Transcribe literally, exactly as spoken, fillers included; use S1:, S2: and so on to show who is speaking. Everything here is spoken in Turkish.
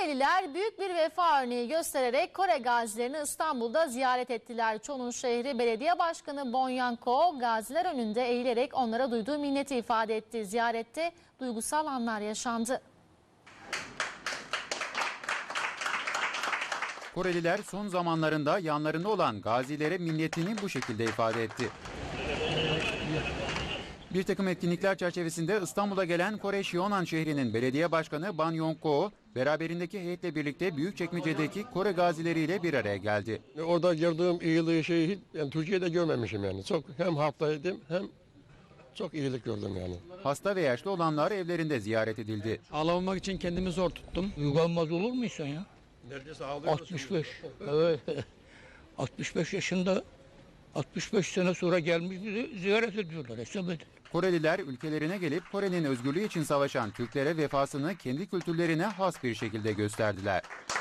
S1: Koreliler büyük bir vefa örneği göstererek Kore gazilerini İstanbul'da ziyaret ettiler. Çon'un şehri belediye başkanı Bon Yanko gaziler önünde eğilerek onlara duyduğu minneti ifade etti. Ziyarette duygusal anlar yaşandı.
S2: Koreliler son zamanlarında yanlarında olan gazilere minnetini bu şekilde ifade etti. Bir takım etkinlikler çerçevesinde İstanbul'a gelen Kore Şionan şehrinin belediye başkanı Ban Yong-ko, beraberindeki heyetle birlikte Büyükçekmece'deki Kore gazileriyle bir araya geldi.
S3: Orada gördüğüm iyiliği şeyi hiç, yani Türkiye'de görmemişim yani. Çok hem halktaydım hem çok iyilik gördüm yani.
S2: Hasta ve yaşlı olanlar evlerinde ziyaret edildi.
S4: Ağlamamak için kendimi zor tuttum.
S5: Uygulanmaz olur mu insan ya?
S3: Neredeyse ağlıyoruz.
S5: altmış beş. Evet. altmış beş yaşında altmış beş sene sonra gelmiş bizi ziyaret ediyorlar. Hesap edin.
S2: Koreliler ülkelerine gelip Kore'nin özgürlüğü için savaşan Türklere vefasını kendi kültürlerine has bir şekilde gösterdiler.